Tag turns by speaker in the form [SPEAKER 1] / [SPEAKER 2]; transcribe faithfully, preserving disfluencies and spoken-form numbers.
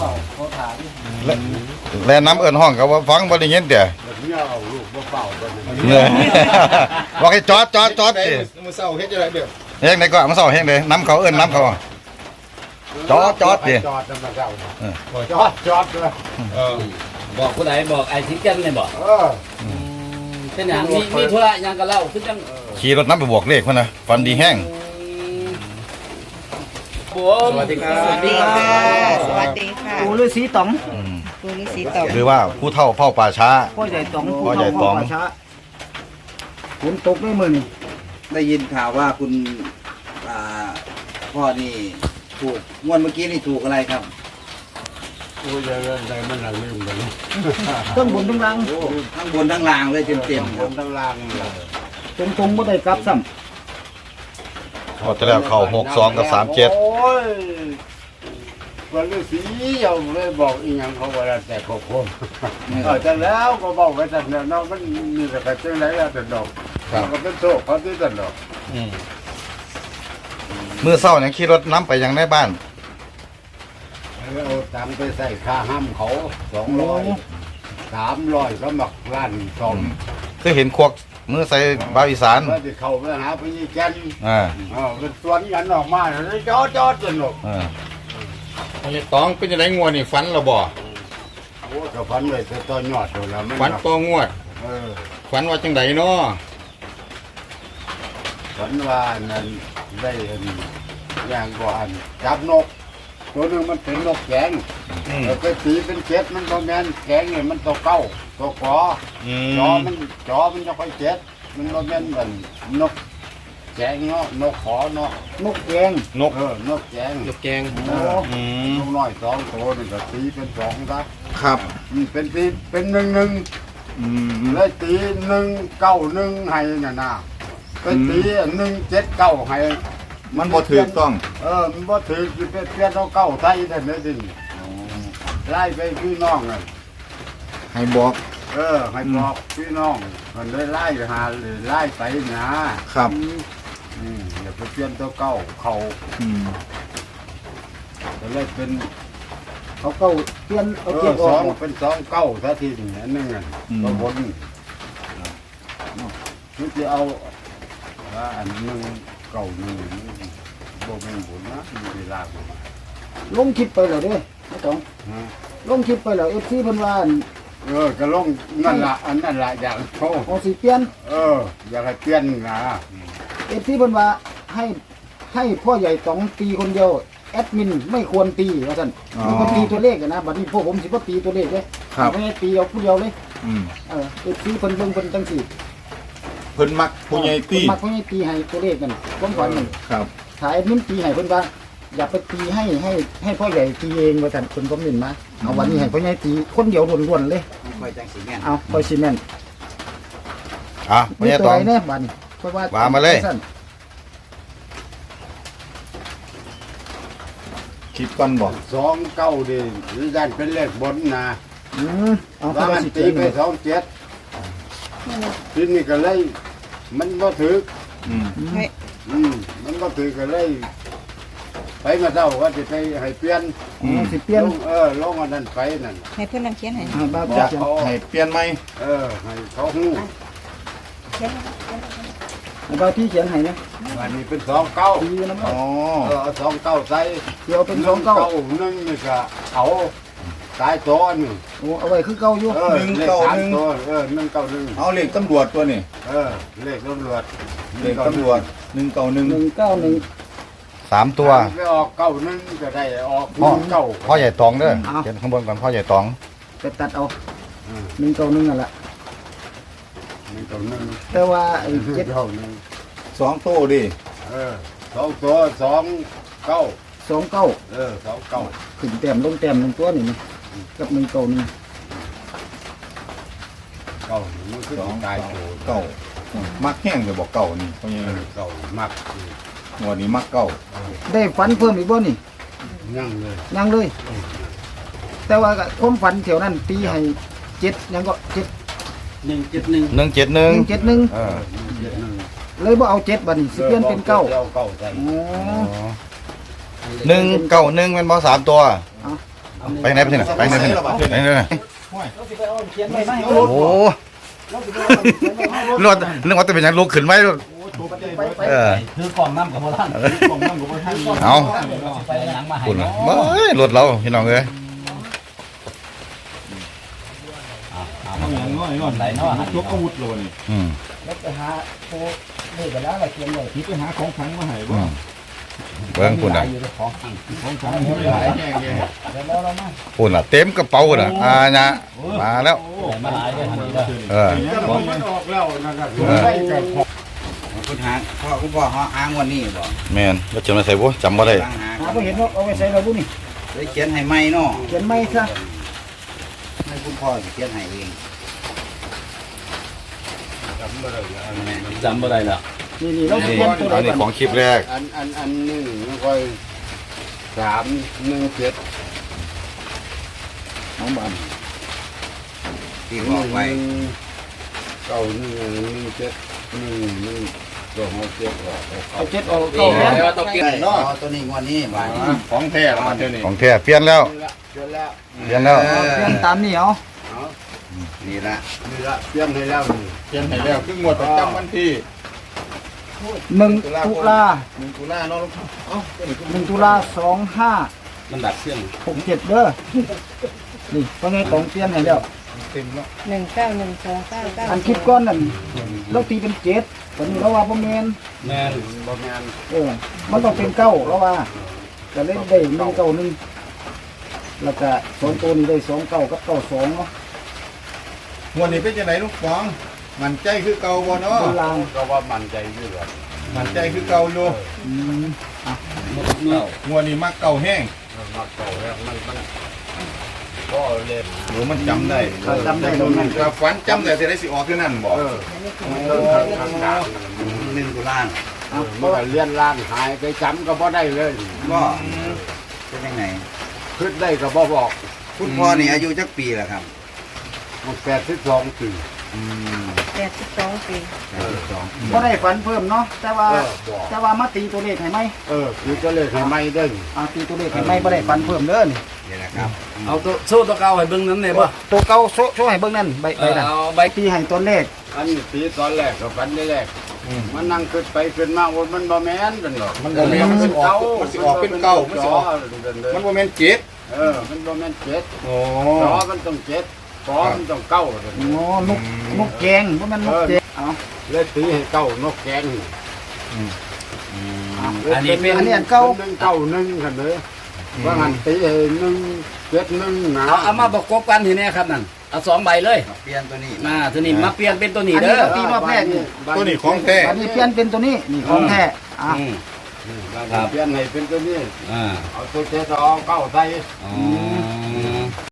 [SPEAKER 1] เขาเขาถาม
[SPEAKER 2] แล้วน้ำเอิญห้องเขาว่าฟังบ่ได้ยินเด้อ
[SPEAKER 1] แบบนี้เอาลูกมาเป่ากัน
[SPEAKER 2] เนี่ยบอกให้จอดจอดจอดดิ
[SPEAKER 3] มือเศร้าเฮ็ดจังไดเด้อ
[SPEAKER 2] เฮงไหนก็มาเศร้าเฮงเลยน้ำเขาเอิญน้ำเขาจอดจอดดิ
[SPEAKER 1] จอดมาเจ้าจอดจอดเลย
[SPEAKER 3] เออ
[SPEAKER 4] บอกผู้ใดบอกไอ้ทิศกันเลยบอก
[SPEAKER 1] เออ
[SPEAKER 4] เป็นอย่างมีมีธุระยังกับเล่าคือจัง
[SPEAKER 2] ขี่รถน้ำไปบวกเลขมันนะฟันดีแห้ง
[SPEAKER 4] ผม
[SPEAKER 3] สวัสดีครับ
[SPEAKER 5] สวัสดีค่ะ สวัสดีค่ะ
[SPEAKER 6] ปู่ฤาษีต๋อง
[SPEAKER 2] อืม
[SPEAKER 5] ปูฤาษีตอบ
[SPEAKER 2] หรือว่าผู้เฒ่าเฝ้าป่าช้า
[SPEAKER 6] พ่อใหญ่ต๋อง
[SPEAKER 2] พ่อใหญ่ต๋อง
[SPEAKER 6] ปู่เฒ่าพ่ป่าช้าฝนตกไม่มือนี่
[SPEAKER 7] ได้ยินข่าวว่าคุณอ่าพ่อนี่ถูกงวดเมื่อกี้นี่ถูกอะไรครับ
[SPEAKER 1] โอ้ยอะไรมันหนักลืมกัน
[SPEAKER 6] ต้นบนต้นล่าง
[SPEAKER 7] ทั้งบนทั้งล่างเลยเต็มๆ
[SPEAKER 1] ค
[SPEAKER 7] ครับ
[SPEAKER 1] นทั้งล่างเลย
[SPEAKER 6] ตรงตรงไม่ได้กลับซ้
[SPEAKER 2] พอจะแล้วเข้าหกสองกับสามเจ็ด
[SPEAKER 1] โอ้ยวันฤาษียังเลยบอกอีหยังเขาว่าแต่ขบคนเออแต่แล้วก็บอกไปแต่เนี่ยน้องมันมีแต่กระเจ้าไรแล้วแต่ดอกก็เป็นโชคเขาที่แต่ดอก
[SPEAKER 2] มือเศร้าเนี่ยขี่รถน้ำไปยังในบ้าน
[SPEAKER 1] เอาตังค์ไปใส่ค่าห้ามเขาสองร้อยสามร้อยสมัครร้านสอง
[SPEAKER 2] คือเห็นควักมือใส่บาวอีสาน
[SPEAKER 1] เพื่อที่เขาไปหาพี่แกน
[SPEAKER 2] อ่า
[SPEAKER 1] เออเป็นสวนกันออกมาเลยจอดจอดจนหลบ
[SPEAKER 2] อ่า
[SPEAKER 3] พ่อใหญ่ตองเป็นจังไดงัวนี่ฝันแล้วบ่
[SPEAKER 1] โอ้กับฟันเลยแต่ตัวยอดตัวละมัน
[SPEAKER 3] ฝันต่องวด
[SPEAKER 1] เออ
[SPEAKER 3] ฝันว่าจังไดเนาะ
[SPEAKER 1] ฝันว่านั่นได้อันอย่างก่อนจับนก ตัวหนึ่งมันเป็นนกแกง
[SPEAKER 3] อืม
[SPEAKER 1] เออไปตีเป็นเจ็ดมันก็แมนแกงเนี่ยมันตัวเก้าตัวกอ
[SPEAKER 3] อื
[SPEAKER 1] จอ
[SPEAKER 3] ม
[SPEAKER 1] มันจอมันจะค่อยเจ็ดมันก็แมนเหมือนนกแกงเนาะนกขอเนาะ
[SPEAKER 6] ำนกแกง
[SPEAKER 3] นก
[SPEAKER 1] เออนกแกง
[SPEAKER 3] นกแกง
[SPEAKER 1] เออ
[SPEAKER 3] อืม
[SPEAKER 1] นกน้อยสองตัวนี่ก็ตีเป็นสองซะ
[SPEAKER 3] ครับ
[SPEAKER 1] อืมเป็นตีเป็นหนึ่งหนึ่ง
[SPEAKER 3] อืม
[SPEAKER 1] เลยตีหนึ่งเก้าหนึ่งให้น่ะนะเป็นตีหนึ่งเจ็ดเก้าให้
[SPEAKER 3] มันบ่ถูกต้อง
[SPEAKER 1] เออมันบ่ถือคือเป็นเปลี่ยนเอาเก้าไทยได้เลยดิไล่ไปพี่น้องอ่ะ
[SPEAKER 3] ให้บอก
[SPEAKER 1] เออให้บอกพี่น้องมันเลยไล่หาเลยไล่ไปนะครับ อืมอย่าไปเปลี่ยนตัวเก้าเขา
[SPEAKER 3] อืม
[SPEAKER 1] ก็เลยเป็น
[SPEAKER 6] เขาเก้าเปลี่ยน
[SPEAKER 1] เอ
[SPEAKER 6] เอา
[SPEAKER 1] อ
[SPEAKER 6] เก็บอ
[SPEAKER 1] ส
[SPEAKER 6] อ
[SPEAKER 1] อก งเป็นสองเก้าซะทีหนึงอันนึงอ่ะก็บนคือจะเอาว่าอันหนึงเก้าหนึ่งบ่แม่นบุญนะมีเวลาบ่มา
[SPEAKER 6] ลงคลิปไปแล้วเด้ไม่ต้อง
[SPEAKER 1] ฮะ
[SPEAKER 6] ลงคลิปไปแล้วเอฟซีเพิ่นว่าอั่น
[SPEAKER 1] เออก็ลงนั่นละอันนั่นละอยากโชว์
[SPEAKER 6] เอาสิเปลี่ยน
[SPEAKER 1] เออ อยากให้เปลี่ยนนะ
[SPEAKER 6] เอฟซีเพิ่นว่าให้ให้พ่อใหญ่ต๋องตีคนเดียวแอดมินไม่ควรตีว่าซั่นมีคนตีตัวเลขอะนะบัดนี้พวกผมสิบ่ตีตัวเลขเด้ไม่ให้ตีเอาผู้เดียวเลย
[SPEAKER 3] อืม
[SPEAKER 6] เออเอฟซีเพิ่นเบิ่งเพิ่นจังซี่
[SPEAKER 3] เพิ่นมักผู้ใหญ่ตี
[SPEAKER 6] เพิ่นมักผู้ใหญ่ตีให้ตัวเลขกันความฝันนั่น
[SPEAKER 3] ครับ
[SPEAKER 6] ถ่ายมิ้นตีให้เพิ่นว่าอย่าไปตีให้ให้ให้พ่อใหญ่ตีเองว่าซั่นเพิ่นก็มินมาเอาวันนี้ให้พ่อใหญ่ตีคนเดียวล้วนๆเลย
[SPEAKER 7] คอยจังสีแม่น
[SPEAKER 6] เอาคอยซีเมนต์
[SPEAKER 2] อ่ะไม่
[SPEAKER 6] มี
[SPEAKER 2] ใช่
[SPEAKER 6] ตัว
[SPEAKER 2] ตอง
[SPEAKER 6] ไหนเนี่ยบัดนี้เพราะว่า
[SPEAKER 2] ว่ามาเลย
[SPEAKER 6] สั้น
[SPEAKER 3] คิดก่อนบอก
[SPEAKER 1] สองเก้าดิหรือยันเป็นเลขบนนะ
[SPEAKER 6] อืมเอา
[SPEAKER 1] ว่า
[SPEAKER 6] เข้าไป
[SPEAKER 1] มัน
[SPEAKER 6] สิ
[SPEAKER 1] ตี
[SPEAKER 6] ตี
[SPEAKER 1] ไปสองเจ็ดทีนี้ก็เลย มันก็ถือ
[SPEAKER 3] อืม
[SPEAKER 5] ให้
[SPEAKER 1] อืมมันก็ถือก็เลย ไปมาเจ้าว่าจะไปให้เปลี่ยน
[SPEAKER 3] อืม
[SPEAKER 6] สิเปลี่ยน
[SPEAKER 1] ลงเออลงอันนั้นไปนั่น
[SPEAKER 5] ให้เพื่อนนั่งเขียนให้
[SPEAKER 6] อ่าบ้า
[SPEAKER 1] บอ
[SPEAKER 6] จะ
[SPEAKER 1] กเขา
[SPEAKER 3] ให้เปลี่ยนไหม
[SPEAKER 1] เออ ให้เขาหู้
[SPEAKER 5] เขียนให้
[SPEAKER 6] บ้าที่เขียนให้นะ
[SPEAKER 1] วันนี้เป็นสองเก้า
[SPEAKER 6] ตีน้ำ
[SPEAKER 3] อ๋อ
[SPEAKER 1] เออเอาสองเก้าใส่
[SPEAKER 6] เดี๋ยวเป็นสองเก้า
[SPEAKER 1] หนึ่งนี่ก็เอาตายตัวหนึ่ง
[SPEAKER 6] โอ้เอาไว้คือเก้าอยู่
[SPEAKER 1] เออเลขสามตัวเออหนึ่งเก้าหนึ่ง
[SPEAKER 3] เอาเลขตำรวจตัวนี่
[SPEAKER 1] เออเลขตำรวจ
[SPEAKER 3] เลขตำรวจหนึ่งเก้าหนึ่ง
[SPEAKER 6] หนึ่งเก้าหนึ่ง
[SPEAKER 2] สามตัว
[SPEAKER 1] ไปออกเก้าหนึ่งก็ได้ออก
[SPEAKER 2] พ่อ
[SPEAKER 1] เก้า
[SPEAKER 2] พ่อใหญ่ตองเด้อเขียนข้างบนก่อนพ่อใหญ่ตอง
[SPEAKER 6] ไปตัดเอาหนึ่งเก้าหนึ่งนั่นแหละ
[SPEAKER 1] หนึ่งเก้าหนึ่ง
[SPEAKER 6] แต่ว่าไอ้เจ็ด
[SPEAKER 1] เก้าหนึ่ง
[SPEAKER 3] สองโต้ดิ
[SPEAKER 1] เออสองตัวสองเก้า
[SPEAKER 6] สองเก้า
[SPEAKER 1] เออสองเก้า
[SPEAKER 6] ขึ้นแต้มลงแต้มหนึ่งตัวนี่นะกับหนึ่งเก้าหนึ่ง
[SPEAKER 1] เก้าหนึ่งมันคือ
[SPEAKER 3] สอง
[SPEAKER 1] ตาย
[SPEAKER 3] เก้า
[SPEAKER 1] ตัว
[SPEAKER 3] เก้ามักแห้งเลยบอกเก่านี่เพราะยัง
[SPEAKER 1] เออเก้ามัก
[SPEAKER 3] งวดนี้มักเก่า
[SPEAKER 6] ได้ฝันเพิ่มอีกบ่นี่
[SPEAKER 1] ยั่งเลย
[SPEAKER 6] ยังเลย แต่ว่าก็ความฝันแถวนั้นตีให้เจ็ดยังก็เจ็ด
[SPEAKER 4] หนึ่งจุดหนึ่ง
[SPEAKER 2] หนึ่งเจ็ดห
[SPEAKER 6] ห
[SPEAKER 2] นึ่ง
[SPEAKER 6] นึ่งเจ็ดหนึ่ง
[SPEAKER 2] เออ
[SPEAKER 1] เจ็ดหนึ่ง
[SPEAKER 6] เลยบ่เอาเจ็ดบัดนี้สิเปลี่ยนเป็นเก้า
[SPEAKER 1] เก้าเก้าใส่
[SPEAKER 6] อ๋อ
[SPEAKER 2] หนึ่งเก้าหนึ่งเป็นบอสามตัว
[SPEAKER 1] เ
[SPEAKER 2] ไปไหนไปที่ไหนไปไหนไปไหนไปไหนโอ้โหนึกว่านึกว่าจะเป็นอย่างลุกขึ้นไหมเออ
[SPEAKER 4] คือกล่องน้ำกับโบราณ
[SPEAKER 2] เอา
[SPEAKER 4] ไปหนังมาให้
[SPEAKER 2] คุณเฮ้ยรถเราพี่น้องเอ้ย
[SPEAKER 3] เอาอย่างน้อยก่อน
[SPEAKER 4] ไหนเนาะ
[SPEAKER 3] ยกอาวุธเลยนี่
[SPEAKER 2] อืม
[SPEAKER 6] แล้วไปหาโทรเลขกันแล้วอะไรเขียนเลย
[SPEAKER 3] นี่ไปหาของขังมาให้
[SPEAKER 2] อื
[SPEAKER 3] บ่
[SPEAKER 2] มเบิ้งคุณอ่ะ
[SPEAKER 4] อยู่ในของข้าง
[SPEAKER 3] ของขังไม่หลายแย่แย่
[SPEAKER 6] เดี๋ยวเราเรามา
[SPEAKER 2] คุณอ่ะเต็มกระเป๋าน่ะอ่าเนี่ยมาแล้ว
[SPEAKER 4] มาหลายเด้อทันทีเด้อ
[SPEAKER 2] เออ
[SPEAKER 1] จะมองมันออกแล้วนะครับ
[SPEAKER 2] เออ
[SPEAKER 1] ได้กับของ
[SPEAKER 7] คุณหาพ่อคุณพ่อหาอ้างวันนี้บ่
[SPEAKER 2] แมนว่าจะมาใส่บ่จำบ่ได้
[SPEAKER 7] ตั้งหา
[SPEAKER 6] หาไปเห็นว่าเอาไปใส่เราบุนี่
[SPEAKER 7] ได้เขียนให้ไหมเนาะ
[SPEAKER 6] เขียนไม่ซะ
[SPEAKER 7] ให้คุณพ่อเขียนให้เอง
[SPEAKER 1] จำบ่ได้แล้วอันนี้
[SPEAKER 4] จำบ่ได้แล้ว
[SPEAKER 6] นี่นี่เรา
[SPEAKER 2] นี่
[SPEAKER 6] เขียนตัวไหน
[SPEAKER 2] อันนี้
[SPEAKER 6] ก่อน
[SPEAKER 2] ของคลิปแรก
[SPEAKER 1] อันอันอันหนึ่งมันค่อยสามหนึ่งเจ็ด
[SPEAKER 6] น้องบ้าน
[SPEAKER 7] ที่บอกไว้
[SPEAKER 1] หนึ่งเก้าหนึ่งหนึ่งเจ็ดหนึ่งหนึ่งสองเจ็ดออก
[SPEAKER 6] เอาเจ็ดเอาเก้าแม่น
[SPEAKER 4] ว่าต้องเก็บ
[SPEAKER 7] เนาะตัวนี้งวดนี้บ่
[SPEAKER 3] ของแท้แล้วมาเท่านี้
[SPEAKER 2] ของแท้เปลี่ยนแล้ว
[SPEAKER 1] เปลี่ยนแล้ว
[SPEAKER 2] เปลี่ยนแล้ว
[SPEAKER 6] เอาเขียนตามนี่เอา
[SPEAKER 7] นี่ละ
[SPEAKER 1] นี่ละเปลี่ยนให้แล้วนี่
[SPEAKER 3] เขียนให้แล้วคืองวดประจำวันที่
[SPEAKER 6] หนึ่งตุลา
[SPEAKER 3] หนึ่งตุลาเนาะลูกเอ้าตัวนี้
[SPEAKER 6] หนึ่งตุลาสองห้า
[SPEAKER 4] มันดับเครื่อง
[SPEAKER 6] หกเจ็ดเด้อนี่เพราะไงของเปลี่ยนให้แล้ว
[SPEAKER 3] เต็มแล้ว
[SPEAKER 5] หนึ่งเก้าหนึ่งสองเก้าเก้า
[SPEAKER 6] อันคลิปก้อนนั่นเราตีเป็นเจ็ดตอนนี้เราว่าประเมน
[SPEAKER 4] แม่น
[SPEAKER 1] บ่แม่น
[SPEAKER 6] เออมันต้องเป็นเก้าเราว่าจะเล่นได้หนึ่งเก้าหนึ่งแล้วก็สองตัวนี้ได้สองเก้ากับเก้าสองเนาะ
[SPEAKER 3] งวดนี้เป็นจังไดลูกฟองมันใจคือเก่าบ่เนาะ
[SPEAKER 6] บนราง
[SPEAKER 1] ก็ว่ามั่นใจอยู่แล้ว
[SPEAKER 3] มันใจคือเก่าอยู่
[SPEAKER 6] อืม
[SPEAKER 4] เมื่อง
[SPEAKER 3] วดนี้มักเก่าแห้ง
[SPEAKER 1] มันมาเก่าแล้วมันมันก็เล่น
[SPEAKER 3] หรือมันจำได้
[SPEAKER 6] ถ้าจำได้ตรงนั้น
[SPEAKER 3] ก็ฝันจำได้แต่ได้สิออกคือนั่นบ่
[SPEAKER 1] เออเออทางด่าน
[SPEAKER 7] หนึ่งตุลา
[SPEAKER 1] เออมันก็เลี้ยนล่างหายไปจำก็บ่ได้เลย
[SPEAKER 7] ก็เป็นยังไง
[SPEAKER 1] ขึ้นได้ก็บ่บอก
[SPEAKER 7] คุณพ่อนี่อายุจักปีแล้วครับ
[SPEAKER 1] มันแปดสิบสองปี
[SPEAKER 7] อืม
[SPEAKER 5] แปดสิบสองปี
[SPEAKER 7] แปดสิบสอง
[SPEAKER 6] ก็ได้ฝันเพิ่มเนาะแต่ว่า
[SPEAKER 1] เออบอก
[SPEAKER 6] แต่ว่ามาตีตัวเลขให้ไหม
[SPEAKER 1] เออคือก็เลยให้ไม่ได้
[SPEAKER 6] อ่าตีตัวเลขให้ไหมบ่ได้ฝันเพิ่มเด้อนี่
[SPEAKER 7] นี่แหละครับ
[SPEAKER 4] เอาตัวโซ่ตัวเก่าให้เบิ่งนั้นได้บ่
[SPEAKER 6] ตัวเก่าโชว์โชว์ให้เบิ่งนั่นใบใบนั่น
[SPEAKER 4] เอาใบ
[SPEAKER 6] ตีให้ตัวเลข
[SPEAKER 1] อันนี้ปีตอนแรกก็ฝันได้แรกมันนั่งขึ้นไปขึ้นมาโอ้ยมันบ่แม่นกันหรอก
[SPEAKER 3] มันบ่แม่นมันสิออกมันสิออกเป็นเก่ามันสิออก
[SPEAKER 1] มั
[SPEAKER 3] มัน นบ่แม่นเจ็ด
[SPEAKER 1] เออมันบ่แม่นเจ็ด
[SPEAKER 3] โอ้
[SPEAKER 1] จอมันต้องเจ็ดกอมันต้องเก้า
[SPEAKER 6] อ๋อนกนกแกงบ่แม่นนกแกงเอา
[SPEAKER 1] เลยตีให้เก้านกแกง
[SPEAKER 4] อันนี้เป็น
[SPEAKER 6] อันนี้อันเก่า
[SPEAKER 1] หนึ่งเก้าหนึ่งกันเลยว่างันตีให้หนึ่งเจ็ดหนึ่งนะ
[SPEAKER 4] เอาเอามาประกบกันทีนี้ครับนั่นเอาสองใบเลย
[SPEAKER 7] เปลี่ยนตัวนี้
[SPEAKER 4] มาทีนี้มาเปลี่ยนเป็นตัวนี้
[SPEAKER 6] อันนี้
[SPEAKER 4] เด้อ
[SPEAKER 6] ก็ตีรอบแรกนี่
[SPEAKER 3] ตัวนี้ของแท้
[SPEAKER 6] อันนี้เปลี่ยนเป็นตัวนี้นี่ของแท้อ่ะ
[SPEAKER 4] อืม
[SPEAKER 1] เปลี่ยนให้เป็นตัวนี้
[SPEAKER 4] อ่า
[SPEAKER 1] เอาตัวเจ็ดเอาเก้าใส่
[SPEAKER 4] อ๋อ